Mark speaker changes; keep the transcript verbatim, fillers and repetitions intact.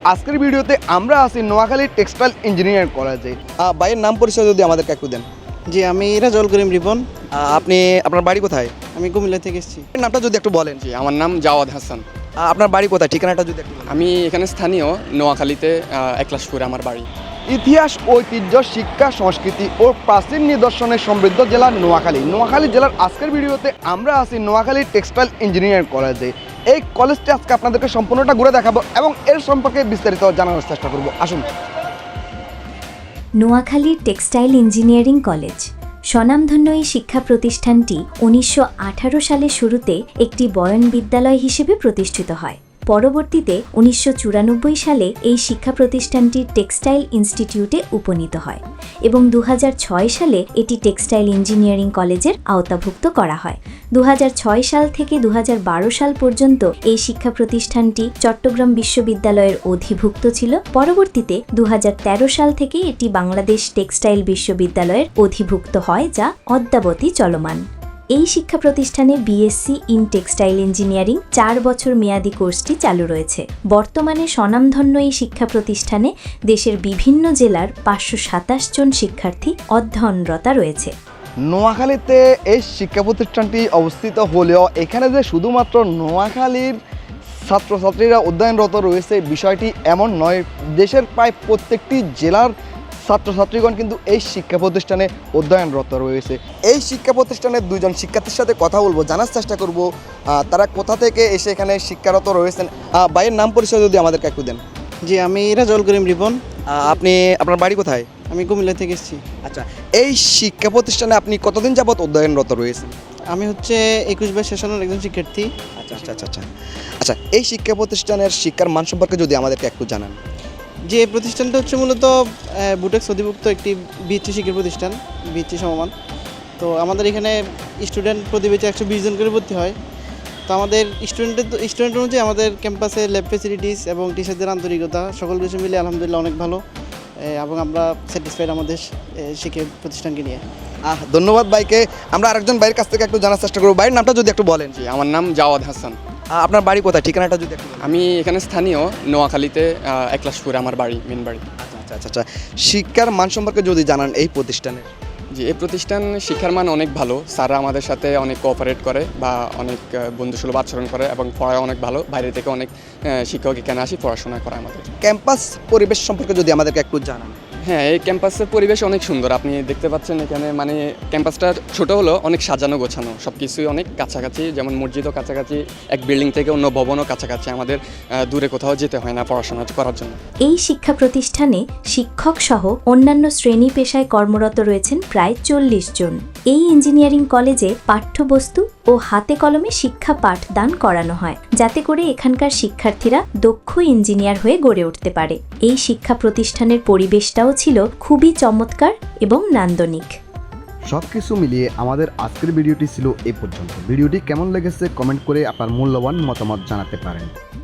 Speaker 1: আজকের ভিডিওতে আমরা আছি নোয়াখালী টেক্সটাইল ইঞ্জিনিয়ারিং কলেজে। ভাইয়ের নাম পরিচয় যদি আমাদেরকে একটু দেন।
Speaker 2: জি, আমি রাজল করিম রিপন।
Speaker 1: আপনি আপনার বাড়ি কোথায়?
Speaker 2: আমি কুমিল্লা থেকে এসেছি।
Speaker 1: নামটা যদি একটু বলেন।
Speaker 3: জি, আমার নাম জাওয়াদ হাসান।
Speaker 1: আপনার বাড়ি কোথায়, ঠিকানাটা যদি একটু বলেন।
Speaker 3: আমি এখানে স্থানীয় নোয়াখালীতে একলাশপুরে আমার বাড়ি।
Speaker 1: ইতিহাস, ঐতিহ্য, শিক্ষা, সংস্কৃতি ও প্রাচীন নিদর্শনে সমৃদ্ধ জেলা নোয়াখালী। নোয়াখালী জেলার আজকের ভিডিওতে আমরা আছি নোয়াখালী টেক্সটাইল ইঞ্জিনিয়ারিং কলেজে। এই কলেজটি আজকে আপনাদেরকে সম্পূর্ণটা ঘুরে দেখাবো এবং এর সম্পর্কে বিস্তারিত জানানোর চেষ্টা করব। আসুন।
Speaker 4: নোয়াখালীর টেক্সটাইল ইঞ্জিনিয়ারিং কলেজ স্বনামধন্য এই শিক্ষা প্রতিষ্ঠানটি উনিশশো আঠারো সালের শুরুতে একটি বয়ন বিদ্যালয় হিসেবে প্রতিষ্ঠিত হয়। পরবর্তীতে উনিশশো চুরানব্বই সালে এই শিক্ষা প্রতিষ্ঠানটি টেক্সটাইল ইনস্টিটিউটে উপনীত হয় এবং দু হাজার ছয় সালে এটি টেক্সটাইল ইঞ্জিনিয়ারিং কলেজের আওতাভুক্ত করা হয়। দু হাজার ছয় সাল থেকে দু হাজার বারো সাল পর্যন্ত এই শিক্ষা প্রতিষ্ঠানটি চট্টগ্রাম বিশ্ববিদ্যালয়ের অধিভুক্ত ছিল। পরবর্তীতে দু হাজার তেরো সাল থেকে এটি বাংলাদেশ টেক্সটাইল বিশ্ববিদ্যালয়ের অধিভুক্ত হয়, যা অদ্যাবধি চলমান। এই শিক্ষা প্রতিষ্ঠানে বিএসসি ইন টেক্সটাইল ইঞ্জিনিয়ারিং চার বছর মেয়াদী কোর্সটি চালু রয়েছে। বর্তমানে স্বনামধন্য এই শিক্ষা প্রতিষ্ঠানে দেশের বিভিন্ন জেলার পাঁচশো সাতাশ জন শিক্ষার্থী অধ্যয়নরত রয়েছে।
Speaker 1: নোয়াখালীতে এই শিক্ষা প্রতিষ্ঠানটি অবস্থিত হলেও এখানে যে শুধুমাত্র নোয়াখালীর ছাত্রছাত্রীরা অধ্যয়নরত রয়েছে বিষয়টি এমন নয়। দেশের প্রায় প্রত্যেকটি জেলার ছাত্রছাত্রীগণ কিন্তু এই শিক্ষা প্রতিষ্ঠানে অধ্যয়নরত রয়েছে। এই শিক্ষা প্রতিষ্ঠানের দুজন শিক্ষার্থীর সাথে কথা বলবো, জানার চেষ্টা করব তারা কোথা থেকে এসে এখানে শিক্ষারত রয়েছেন। ভাইয়ের নাম পরিচয় যদি আমাদেরকে একটু দেন।
Speaker 2: জি, আমি রাজল করিম রিপন।
Speaker 1: আপনি আপনার বাড়ি কোথায়?
Speaker 2: আমি কুমিল্লা থেকে এসেছি।
Speaker 1: আচ্ছা, এই শিক্ষা প্রতিষ্ঠানে আপনি কতদিন যাবত অধ্যয়নরত রয়েছেন?
Speaker 2: আমি হচ্ছে একুশ বাইশ সেশনের একজন শিক্ষার্থী।
Speaker 1: আচ্ছা আচ্ছা আচ্ছা আচ্ছা আচ্ছা এই শিক্ষা প্রতিষ্ঠানের শিক্ষার মান সম্পর্কে যদি আমাদেরকে একটু জানান।
Speaker 2: যে প্রতিষ্ঠানটা হচ্ছে মূলত বুটেক্স অধিভুক্ত একটি বিএসসি শিক্ষা প্রতিষ্ঠান, বিএসসি সমমান। তো আমাদের এখানে স্টুডেন্ট প্রতি ব্যাচে একশো বিশ জন করে ভর্তি হয়। তো আমাদের স্টুডেন্টের স্টুডেন্ট অনুযায়ী আমাদের ক্যাম্পাসে ল্যাব ফেসিলিটিস এবং টিচারদের আন্তরিকতা সকল কিছু মিলে আলহামদুলিল্লাহ অনেক ভালো এবং আমরা স্যাটিসফাইড আমাদের শিক্ষা প্রতিষ্ঠানকে নিয়ে।
Speaker 1: আহ ধন্যবাদ ভাইকে। আমরা আরেকজন ভাইয়ের কাছ থেকে একটু জানার চেষ্টা করবো। ভাইয়ের নামটা যদি একটু বলেন।
Speaker 3: জি, আমার নাম জাওয়াদ হাসান।
Speaker 1: আপনার বাড়ি কোথায়, ঠিকানাটা যদি একটু বলেন।
Speaker 3: আমি এখানে স্থানীয় নোয়াখালীতে একলাশপুরে আমার বাড়ি, মেন বাড়ি।
Speaker 1: আচ্ছা আচ্ছা আচ্ছা শিক্ষার মান সম্পর্কে যদি জানান এই প্রতিষ্ঠানের।
Speaker 3: জি, এই প্রতিষ্ঠান শিক্ষার মান অনেক ভালো। স্যাররা আমাদের সাথে অনেক কোঅপারেট করে বা অনেক বন্ধুসুলভ আচরণ করে এবং পড়ায় অনেক ভালো। বাইরে থেকে অনেক শিক্ষক এখানে আসি পড়াশোনা করে আমাদের।
Speaker 1: ক্যাম্পাস পরিবেশ সম্পর্কে যদি আমাদেরকে একটু জানান।
Speaker 3: হ্যাঁ, এই ক্যাম্পাসের পরিবেশ অনেক সুন্দর। আপনি দেখতে পাচ্ছেন এখানে মানে ক্যাম্পাসটা ছোট হলো অনেক সাজানো গোছানো, সব কিছুই অনেক কাছাকাছি। যেমন মসজিদও কাছাকাছি, এক বিল্ডিং থেকে অন্য ভবনও কাছাকাছি। আমাদের দূরে কোথাও যেতে হয় না পড়াশোনা করার জন্য।
Speaker 4: এই শিক্ষা প্রতিষ্ঠানে শিক্ষক সহ অন্যান্য শ্রেণী পেশায় কর্মরত রয়েছেন প্রায় চল্লিশ জন। এই ইঞ্জিনিয়ারিং কলেজে পাঠ্যবস্তু ও হাতে কলমে শিক্ষা পাঠদান করানো হয়, যাতে করে এখানকার শিক্ষার্থীরা দক্ষ ইঞ্জিনিয়ার হয়ে গড়ে উঠতে পারে। এই শিক্ষা প্রতিষ্ঠানের পরিবেশটাও ছিল খুবই চমৎকার এবং নান্দনিক।
Speaker 5: সব কিছু মিলিয়ে আমাদের আজকের ভিডিওটি ছিল এই পর্যন্ত। ভিডিওটি কেমন লেগেছে কমেন্ট করে আপনার মূল্যবান মতামত জানাতে পারেন।